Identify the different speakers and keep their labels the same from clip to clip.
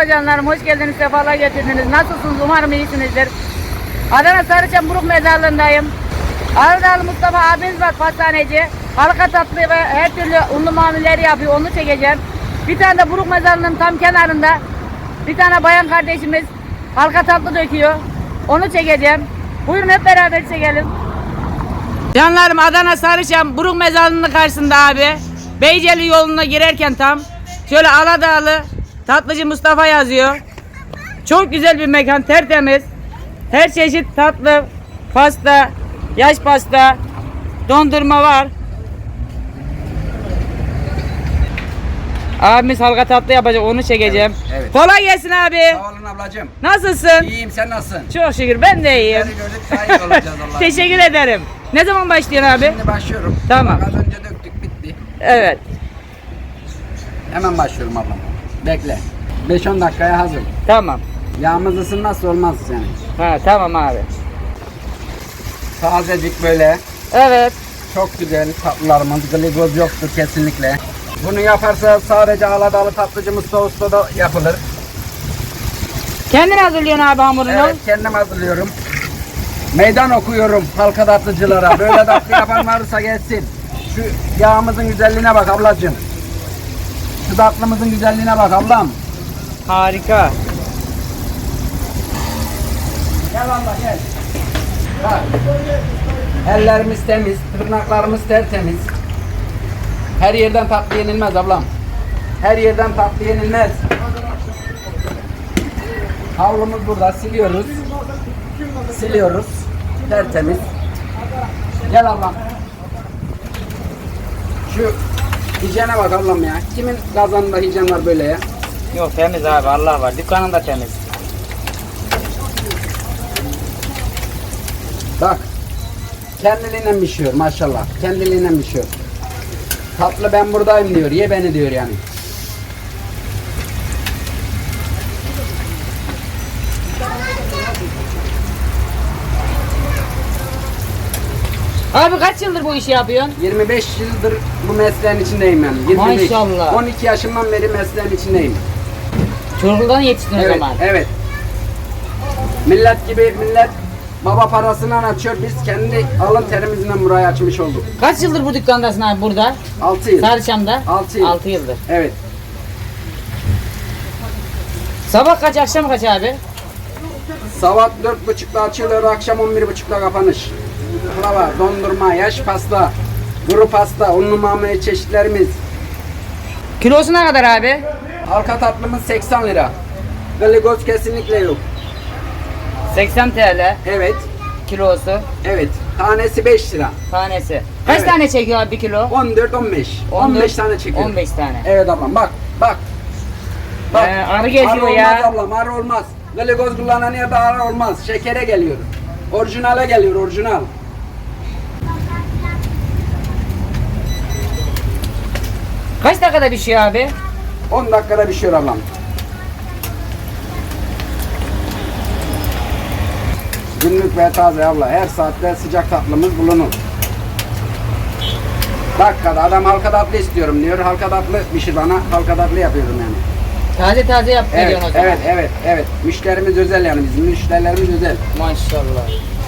Speaker 1: Merhaba canlarım, hoş geldiniz, sefalar getirdiniz. Nasılsınız? Umarım iyisinizdir. Adana Sarıçam Buruk Mezarlığı'ndayım. Ardalı Mustafa abimiz var, pastaneci. Halka tatlı ve her türlü unlu mamulleri yapıyor, onu çekeceğim. Bir tane de Buruk Mezarlığı'nın tam kenarında bir tane bayan kardeşimiz halka tatlı döküyor. Onu çekeceğim. Buyurun hep beraber çekelim. Canlarım, Adana Sarıçam Buruk Mezarlığı'nın karşısında abi. Beyceli yoluna girerken tam şöyle Aladağlı Tatlıcı Mustafa yazıyor. Çok güzel bir mekan, tertemiz. Her çeşit tatlı, pasta, yaş pasta, dondurma var. Abimiz halka tatlı yapacak, onu çekeceğim.
Speaker 2: Evet.
Speaker 1: Kolay gelsin abi.
Speaker 2: Sağ olun ablacığım.
Speaker 1: Nasılsın?
Speaker 2: İyiyim, sen nasılsın?
Speaker 1: Çok şükür, ben de iyiyim.
Speaker 2: Seni gördük, daha iyi olacağız Allah'ım.
Speaker 1: Teşekkür ederim. Ne zaman başlıyorsun abi?
Speaker 2: Şimdi başlıyorum.
Speaker 1: Tamam.
Speaker 2: Bak, az önce döktük, bitti.
Speaker 1: Evet.
Speaker 2: Hemen başlıyorum ablam. Bekle. 5-10 dakikaya hazır.
Speaker 1: Tamam.
Speaker 2: Yağımız ısınmazsa olmaz yani.
Speaker 1: Ha, tamam abi.
Speaker 2: Tazecik böyle.
Speaker 1: Evet.
Speaker 2: Çok güzel tatlılarımız. Glikoz yoktur kesinlikle. Bunu yaparsa sadece Aladağlı Tatlıcı Mustafa Usta'da yapılır.
Speaker 1: Kendin hazırlıyorsun abi hamurunu.
Speaker 2: Evet, kendim hazırlıyorum. Meydan okuyorum halka tatlıcılara. Böyle tatlı yapan varsa gelsin. Şu yağımızın güzelliğine bak ablacığım. Şu tatlımızın güzelliğine bak ablam.
Speaker 1: Harika.
Speaker 2: Gel abla gel. Bak. Ellerimiz temiz, tırnaklarımız tertemiz. Her yerden tatlı yenilmez ablam. Her yerden tatlı yenilmez. Havlumuz burada, siliyoruz. Siliyoruz. Tertemiz. Gel ablam. Şu hijyene bak ablam ya. Kimin kazanında hijyen var böyle ya?
Speaker 1: Yok, temiz abi, Allah var. Dükkanın da temiz.
Speaker 2: Bak. Kendiliğinden pişiyor maşallah. Kendiliğinden pişiyor. Tatlı ben buradayım diyor. Ye beni diyor yani.
Speaker 1: Abi kaç yıldır bu işi yapıyorsun?
Speaker 2: 25 yıldır bu mesleğin içindeyim yani. 25.
Speaker 1: Maşallah.
Speaker 2: 12 yaşımdan beri mesleğin içindeyim.
Speaker 1: Çocukluğundan yetiştin o
Speaker 2: Evet,
Speaker 1: zaman.
Speaker 2: evet. Millet gibi millet baba parasından açıyor. Biz kendi alın terimizden burayı açmış olduk.
Speaker 1: Kaç yıldır bu dükkandasın abi burada?
Speaker 2: 6 yıl.
Speaker 1: Sarıçam'da?
Speaker 2: 6 yıl.
Speaker 1: 6 yıldır.
Speaker 2: Evet.
Speaker 1: Sabah kaç, akşam kaç abi?
Speaker 2: Sabah 4.30'da açılıyor, akşam 11.30'da kapanış. Baklava, dondurma, yaş pasta, kuru pasta, unlu mamule çeşitlerimiz.
Speaker 1: Kilosu ne kadar abi?
Speaker 2: Halka tatlımız 80 lira. Glikoz kesinlikle yok.
Speaker 1: 80 TL
Speaker 2: Evet.
Speaker 1: kilosu.
Speaker 2: Evet. Tanesi 5 lira.
Speaker 1: Tanesi. Kaç
Speaker 2: Evet.
Speaker 1: tane çekiyor abi bir kilo?
Speaker 2: 14-15. 15 tane çekiyor.
Speaker 1: 15 tane.
Speaker 2: Evet ablam bak. Bak. Bak.
Speaker 1: Arı geziyor
Speaker 2: arı
Speaker 1: ya.
Speaker 2: olmaz ablam, arı olmaz. Glikoz kullanan yerde arı olmaz. Şekere geliyor. Orijinale geliyor, orijinal.
Speaker 1: Kaç dakikada pişiyor abi?
Speaker 2: 10 dakikada pişiyor ablam. Günlük ve taze abla. Her saatte sıcak tatlımız bulunur. Dakikada adam halka tatlı istiyorum diyor. Halka tatlı pişir bana. Halka tatlı yapıyorum yani.
Speaker 1: Taze taze yap
Speaker 2: Evet,
Speaker 1: veriyorsun o zaman.
Speaker 2: evet. Müşterimiz özel yani bizim müşterilerimiz özel.
Speaker 1: Maşallah.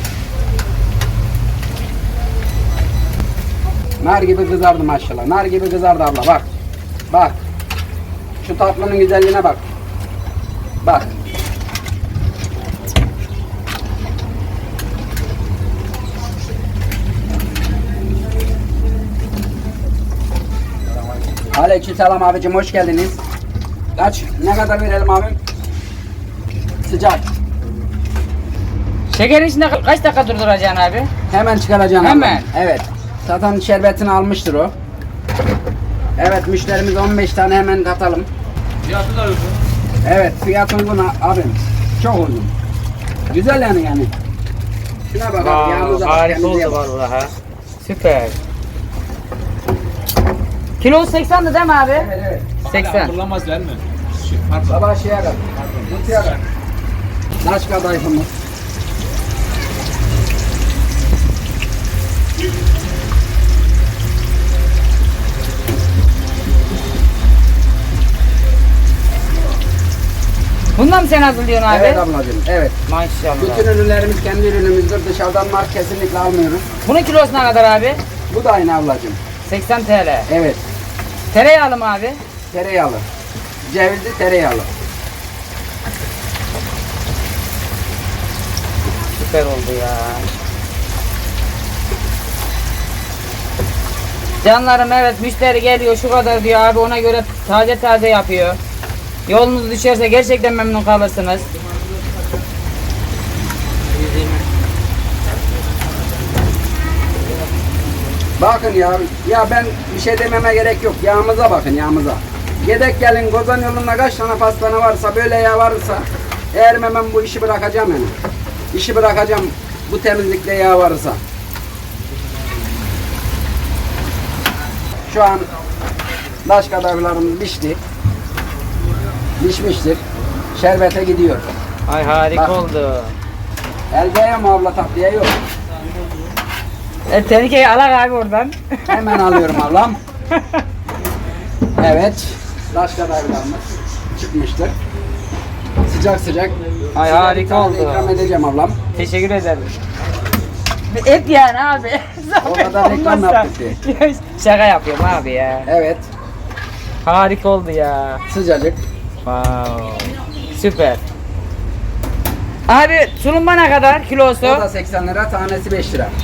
Speaker 2: Nar gibi kızardı maşallah. Nar gibi kızardı abla bak. Bak. Şu tatlının güzelliğine bak. Bak. Aleykümselam abicim, hoş geldiniz. Ne kadar verelim abim? Sıcak.
Speaker 1: Şekerin içinde kaç dakika durduracaksın abi?
Speaker 2: Hemen çıkaracaksın
Speaker 1: Hemen.
Speaker 2: abla. Evet. Zaten şerbetini almıştır o. Evet, müşterimiz 15 tane hemen katalım.
Speaker 3: Fiyatı da uygun.
Speaker 2: Evet, fiyat uygun abim. Çok uygun. Güzel yani. Şuna bak abi, yağımıza bak,
Speaker 1: Harika
Speaker 2: kendinize
Speaker 1: oldu
Speaker 2: bak.
Speaker 1: vallahi. Süper. Kilosu 80'di değil mi abi?
Speaker 2: Evet.
Speaker 1: 80.
Speaker 3: Kullanmaz değil mi? Pardon.
Speaker 2: Sabah şeye bak. Kutuya bak. Naş kadayıfımız.
Speaker 1: Bundan mı sen hazırlıyorsun abi?
Speaker 2: Evet ablacığım, evet.
Speaker 1: Maşallah.
Speaker 2: Bütün ürünlerimiz kendi ürünümüzdür. Dışarıdan mark kesinlikle almıyoruz.
Speaker 1: Bunun kilosu ne kadar abi?
Speaker 2: Bu da aynı ablacığım.
Speaker 1: 80 TL.
Speaker 2: Evet.
Speaker 1: Tereyağlı mı abi?
Speaker 2: Tereyağlı. Cevizli tereyağlı.
Speaker 1: Süper oldu ya. Canlarım evet müşteri geliyor şu kadar diyor abi ona göre taze taze yapıyor. Yolunuz düşerse gerçekten memnun kalırsınız.
Speaker 2: Bakın ya ben bir şey dememe gerek yok. Yağımıza bakın yağımıza. Yedek gelin Kozan yolunda kaç tane pastane varsa böyle yağ varsa eğer hemen bu işi bırakacağım yani. İşi bırakacağım bu temizlikte yağ varsa. Şu an taş kadayıflarımız pişti. Pişmiştir. Şerbete gidiyor.
Speaker 1: Ay harika
Speaker 2: Bak.
Speaker 1: oldu.
Speaker 2: Elde mi abla tatlıya yok.
Speaker 1: Tehlikeyi alak abi oradan.
Speaker 2: Hemen alıyorum ablam. Evet. Taş kadayıflarımız çıkmıştır. Sıcak sıcak.
Speaker 1: Ay,
Speaker 2: Size
Speaker 1: harika
Speaker 2: bir tane
Speaker 1: oldu.
Speaker 2: ikram edeceğim ablam.
Speaker 1: Teşekkür ederim. Et yani abi.
Speaker 2: O kadar reklam
Speaker 1: Olmazsa.
Speaker 2: yaptık diye.
Speaker 1: Şaka yapıyorum abi ya.
Speaker 2: Evet.
Speaker 1: Harika oldu ya.
Speaker 2: Sıcacık.
Speaker 1: Wow. Süper. Abi tulumba ne kadar kilosu?
Speaker 2: O da 80 lira, tanesi 5 lira.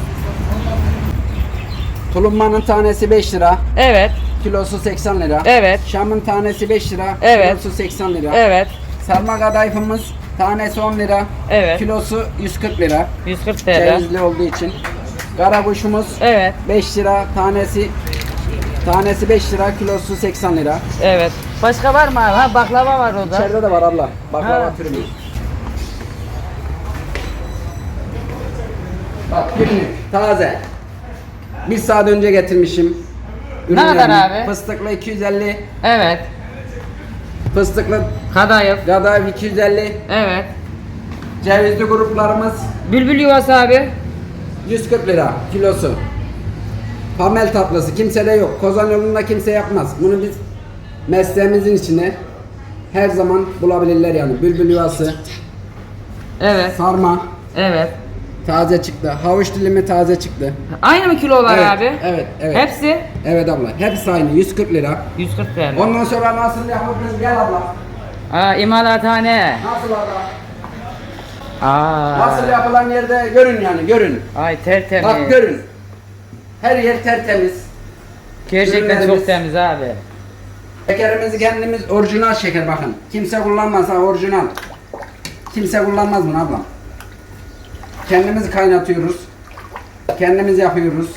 Speaker 2: Tulumbanın tanesi 5 lira,
Speaker 1: Evet.
Speaker 2: kilosu 80 lira.
Speaker 1: Evet.
Speaker 2: Şam'ın tanesi 5 lira,
Speaker 1: Evet.
Speaker 2: kilosu 80 lira.
Speaker 1: Evet.
Speaker 2: Sarma kadayıfımız tanesi 10 lira,
Speaker 1: Evet.
Speaker 2: kilosu 140 lira.
Speaker 1: 140 TL.
Speaker 2: Cevizli olduğu için. Karabuşumuz
Speaker 1: Evet.
Speaker 2: 5 lira, tanesi 5 lira, kilosu 80 lira.
Speaker 1: Evet. Başka var mı abi? Ha baklava var orada.
Speaker 2: İçeride de var abla. Baklava
Speaker 1: Ha.
Speaker 2: türümüz. Bak günlük, taze. Bir saat önce getirmişim.
Speaker 1: Ne kadar
Speaker 2: ürünlerimi.
Speaker 1: abi?
Speaker 2: Fıstıklı 250,
Speaker 1: Evet.
Speaker 2: fıstıklı
Speaker 1: Kadayıf.
Speaker 2: kadayıf 250,
Speaker 1: Evet.
Speaker 2: cevizli gruplarımız
Speaker 1: Bülbül yuvası abi.
Speaker 2: 140 lira kilosu. Pamel tatlısı kimsede yok. Kozan yolunda kimse yapmaz. Bunu biz mesleğimizin içine her zaman bulabilirler yani. Bülbül yuvası,
Speaker 1: Evet.
Speaker 2: sarma
Speaker 1: Evet.
Speaker 2: taze çıktı. Havuç dilimi taze çıktı.
Speaker 1: Aynı mı kilolar
Speaker 2: Evet,
Speaker 1: abi?
Speaker 2: evet, evet.
Speaker 1: Hepsi
Speaker 2: Evet abla. Hepsi aynı 140 lira.
Speaker 1: 140 TL.
Speaker 2: Ondan sonra nasıl yapabiliriz? Gel abla.
Speaker 1: Aa imalathane.
Speaker 2: Nasıl abla?
Speaker 1: Aa.
Speaker 2: Nasıl yapılan yerde görün yani görün.
Speaker 1: Ay tertemiz.
Speaker 2: Bak görün. Her yer tertemiz.
Speaker 1: Gerçekten
Speaker 2: Ürünlerimiz-
Speaker 1: çok temiz abi.
Speaker 2: Şekerimizi kendimiz orijinal şeker bakın. Kimse kullanmaz ha orijinal. Kimse kullanmaz bunu ablam. Kendimiz kaynatıyoruz. Kendimiz yapıyoruz.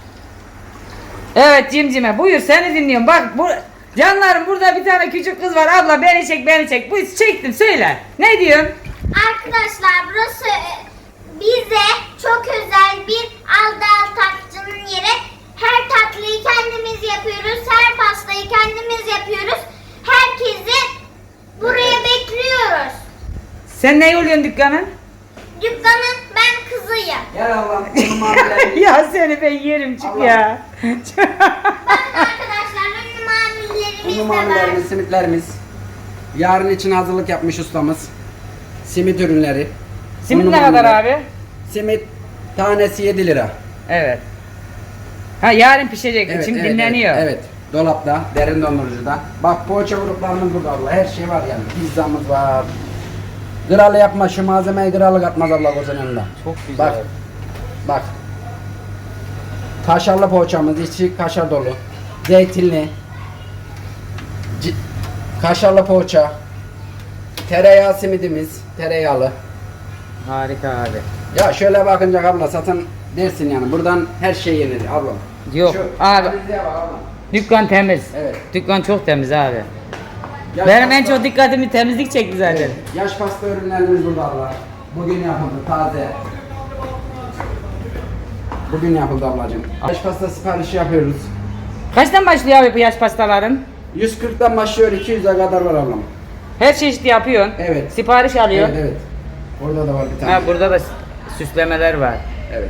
Speaker 1: Evet Cimcime buyur seni dinliyorum. Bak bu canlarım burada bir tane küçük kız var. Abla beni çek beni çek. Bu çektim söyle. Ne diyorsun?
Speaker 4: Arkadaşlar burası bize çok özel bir aldal tatlıcının yeri. Her tatlıyı kendimiz yapıyoruz. Her pastayı kendimiz yapıyoruz. Herkesi buraya bekliyoruz.
Speaker 1: Sen ne oluyorsun dükkanın?
Speaker 4: Dükkanın ben kızıyım.
Speaker 2: Gel ablam. Bunu mavilerimiz.
Speaker 1: Ya seni ben yerim çık
Speaker 2: Allah.
Speaker 1: ya.
Speaker 4: Bakın arkadaşlar ünlü mavilerimiz
Speaker 2: Unu
Speaker 4: de var.
Speaker 2: mavilerimiz, simitlerimiz. Yarın için hazırlık yapmış ustamız. Simit ürünleri.
Speaker 1: Simit
Speaker 2: Unu
Speaker 1: ne kadar
Speaker 2: maviler.
Speaker 1: abi?
Speaker 2: Simit tanesi 7 lira.
Speaker 1: Evet. Ha yarın pişecek
Speaker 2: Evet,
Speaker 1: için
Speaker 2: evet,
Speaker 1: dinleniyor.
Speaker 2: Evet, evet. Dolapta, derin dondurucuda. Bak poğaça gruplarımız burada abla. Her şey var yani. Pizzamız var. Kralı yapma şu malzemeyi kralı katmaz abla Kozan yanında.
Speaker 1: Çok güzel.
Speaker 2: Bak. Bak. Kaşarlı poğaçamız içi kaşar dolu. Zeytinli. Kaşarlı poğaça. Tereyağı simidimiz. Tereyağlı.
Speaker 1: Harika abi.
Speaker 2: Ya şöyle bakınca abla zaten dersin yani. Buradan her şey yenir abla.
Speaker 1: Yok, abi.
Speaker 2: temizliğe bak abla.
Speaker 1: Dükkan temiz.
Speaker 2: Evet.
Speaker 1: Dükkan çok temiz abi.
Speaker 2: Yaş
Speaker 1: Benim en
Speaker 2: pasta-
Speaker 1: çok dikkatimi temizlik çekti zaten.
Speaker 2: Evet, yaş pasta ürünlerimiz burada abla. Bugün yapıldı taze. Bugün yapıldı ablacığım. Yaş pasta siparişi yapıyoruz.
Speaker 1: Kaçtan başlıyor abi bu yaş pastaların?
Speaker 2: 140'dan başlıyor 200'e kadar var ablam.
Speaker 1: Her çeşit yapıyorsun.
Speaker 2: Evet.
Speaker 1: Sipariş alıyor.
Speaker 2: Evet evet. Orada da var bir tane.
Speaker 1: Ha burada da süslemeler var.
Speaker 2: Evet.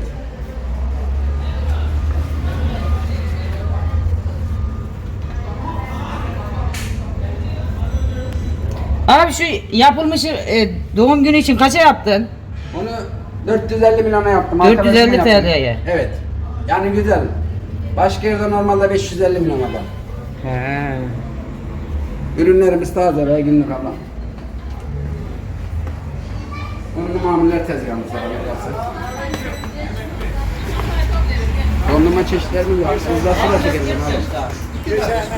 Speaker 1: Abi şu yapılmışı doğum günü için kaça yaptın?
Speaker 2: Onu 450 milyona yaptım.
Speaker 1: 450
Speaker 2: arkadaşıma yaptım.
Speaker 1: TL'ye.
Speaker 2: Evet. Yani güzel. Başka yerde normalde 550 milyon adam.
Speaker 1: He.
Speaker 2: Ürünlerimiz taze ve günlük ablam. Unlu mamuller tezgahımız var. Dondurma çeşitlerimiz var. Hızla sıra çekeriz abi.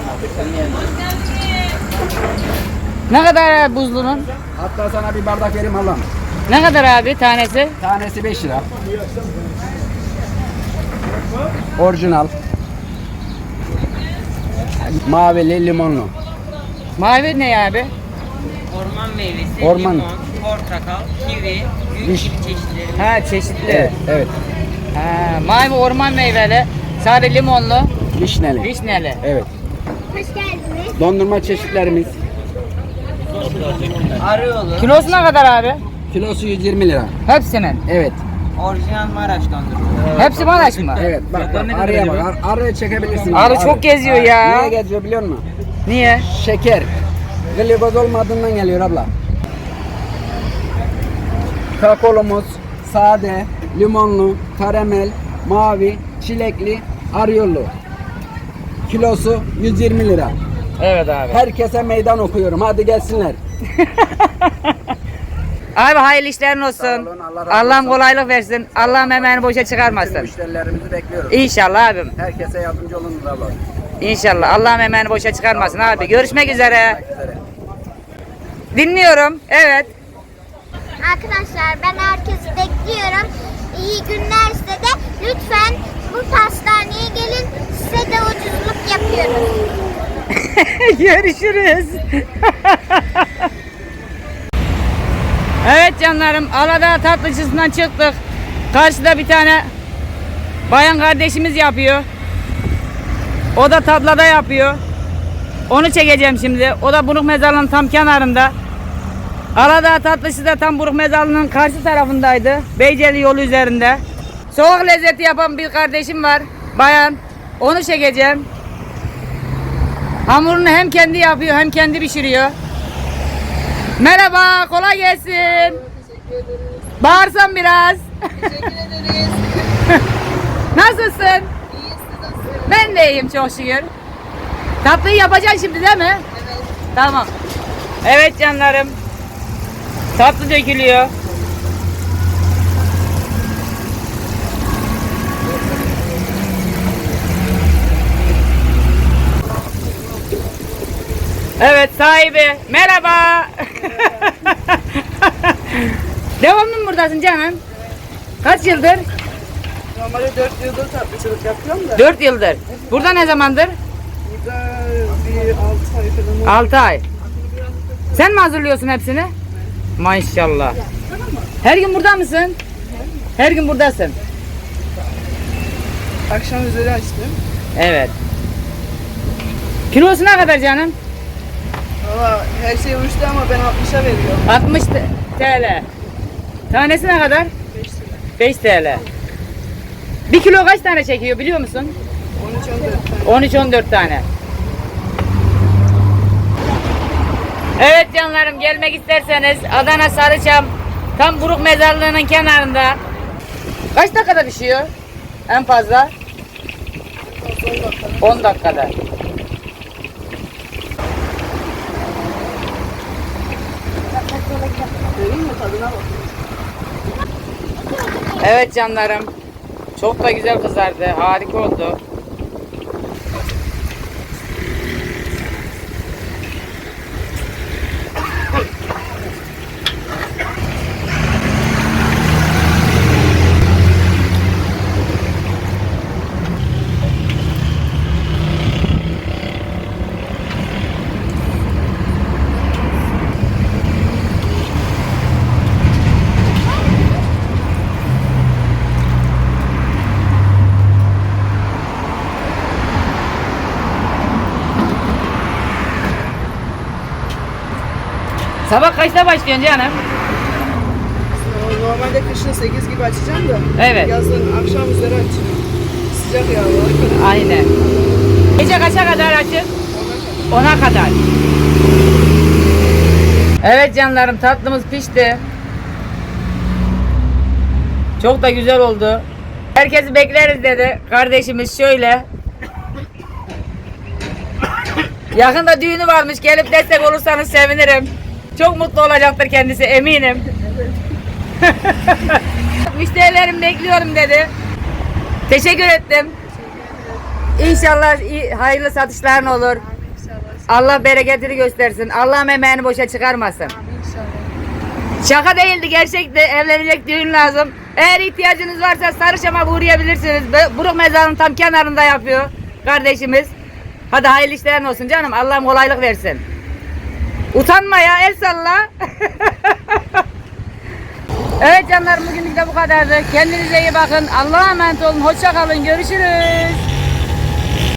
Speaker 1: Ne kadar buzlunun?
Speaker 2: Hatta sana bir bardak vereyim ablam.
Speaker 1: Ne kadar abi tanesi?
Speaker 2: Tanesi 5 lira. Orijinal. Mavili limonlu.
Speaker 1: Mavi ne abi?
Speaker 5: Orman meyvesi,
Speaker 2: Orman.
Speaker 5: limon, portakal, kivi, büyük
Speaker 2: Viş-
Speaker 5: kivi çeşitleri.
Speaker 1: Ha çeşitli.
Speaker 2: Evet, evet.
Speaker 1: Ha, mavi orman meyveli, sarı limonlu,
Speaker 2: Vişneli.
Speaker 1: vişneli.
Speaker 2: Evet.
Speaker 4: Hoş geldiniz.
Speaker 2: Dondurma çeşitlerimiz.
Speaker 5: Arıoğlu,
Speaker 1: Kilosu ne kadar abi?
Speaker 2: Kilosu 120 lira.
Speaker 1: Hepsinin.
Speaker 2: Evet.
Speaker 5: orijinal Maraş dondurma.
Speaker 1: Hepsi Maraş mı?
Speaker 2: Evet. Bak bak arıya bak. Arıya çekebilirsin.
Speaker 1: Arı çok geziyor ya.
Speaker 2: Niye geziyor biliyor musun?
Speaker 1: Niye?
Speaker 2: Şeker. Glikoz olmadığından geliyor abla. Kakaolumuz sade, limonlu, karamel, mavi, çilekli, arıyolu. Kilosu 120 lira.
Speaker 1: Evet abi.
Speaker 2: Herkese meydan okuyorum. Hadi gelsinler.
Speaker 1: Abi hayırlı işlerin olsun.
Speaker 2: Sağ olun, Allah razı
Speaker 1: Allah'ım
Speaker 2: olsun.
Speaker 1: kolaylık versin. Allah'ım emeğini boşa
Speaker 2: Bütün
Speaker 1: çıkarmasın.
Speaker 2: müşterilerimizi bekliyoruz.
Speaker 1: İnşallah abim.
Speaker 2: Herkese yardımcı olun abla.
Speaker 1: İnşallah. Allah'ım emeğini boşa çıkarmasın abi. Görüşmek üzere.
Speaker 2: Görüşmek üzere.
Speaker 1: Dinliyorum. Evet.
Speaker 4: Arkadaşlar ben herkesi bekliyorum. İyi günler size de. Lütfen bu pastaneye gelin. Size de ucuzluk yapıyoruz.
Speaker 1: Görüşürüz. Evet canlarım, Aladağ tatlıcısından çıktık. Karşıda bir tane bayan kardeşimiz yapıyor. O da tablada yapıyor. Onu çekeceğim şimdi. O da Buruk Mezarlığı'nın tam kenarında. Aladağ tatlısı da tam Buruk Mezarlığı'nın karşı tarafındaydı. Beyceli yolu üzerinde. Soğuk lezzeti yapan bir kardeşim var. Bayan. Onu çekeceğim. Hamurunu hem kendi yapıyor hem kendi pişiriyor. Merhaba, kolay gelsin. Bağırsan biraz.
Speaker 6: Teşekkür ederiz.
Speaker 1: Nasılsın?
Speaker 6: İyi, siz nasılsınız?
Speaker 1: Ben de iyiyim çok şükür. Tatlıyı yapacaksın şimdi değil mi?
Speaker 6: Evet.
Speaker 1: Tamam. Evet canlarım. Tatlı dökülüyor. Evet sahibi. Merhaba. Devamlı mı buradasın canım? Kaç yıldır?
Speaker 6: Normalde 4 yıldır tatlıcılık yapıyorum da
Speaker 1: 4 yıldır. Burada ne zamandır?
Speaker 6: burada bir 6 ay falan oldu.
Speaker 1: 6 ay. Sen mi hazırlıyorsun hepsini? Maşallah. Her gün burada mısın? Her gün buradasın.
Speaker 6: Akşam üzeri açtım.
Speaker 1: Evet. Kilosu ne kadar canım?
Speaker 6: Valla her şey uçtu ama ben 60'a veriyorum.
Speaker 1: 60 TL. Tanesi ne kadar? 5 TL. 1 kilo kaç tane çekiyor biliyor musun?
Speaker 6: 13-14 tane.
Speaker 1: 13-14 tane. Evet canlarım, gelmek isterseniz Adana Sarıçam tam Buruk Mezarlığı'nın kenarında. Kaç dakikada pişiyor? En fazla 10 dakikada.
Speaker 6: Vereyim mi tadına bak.
Speaker 1: Evet canlarım. Çok da güzel kızardı. Harika oldu. Sabah kaçta başlıyorsun canım?
Speaker 6: Normalde kışın 8 gibi açacağım da.
Speaker 1: Evet.
Speaker 6: Yazın akşam üzeri açıyorum. Sıcak yağlar.
Speaker 1: Aynen. Gece kaça kadar açık? 10'a kadar. Evet canlarım, tatlımız pişti. Çok da güzel oldu. Herkesi bekleriz dedi kardeşimiz şöyle. Yakında düğünü varmış, gelip destek olursanız sevinirim. Çok mutlu olacaktır kendisi, eminim. Müşterilerim bekliyorum dedi. Teşekkür ettim. İnşallah hayırlı satışların olur. Allah bereketini göstersin. Allah'ım emeğini boşa çıkarmasın. Şaka değildi, gerçekti. Evlenecek düğün lazım. Eğer ihtiyacınız varsa Sarıçam'a uğrayabilirsiniz. Buruk mezarının tam kenarında yapıyor kardeşimiz. Hadi hayırlı işlerin olsun canım. Allah'ım kolaylık versin. Utanma ya, el salla. Evet canlarım, bugünlük de bu kadardı. Kendinize iyi bakın. Allah'a emanet olun. Hoşça kalın. Görüşürüz.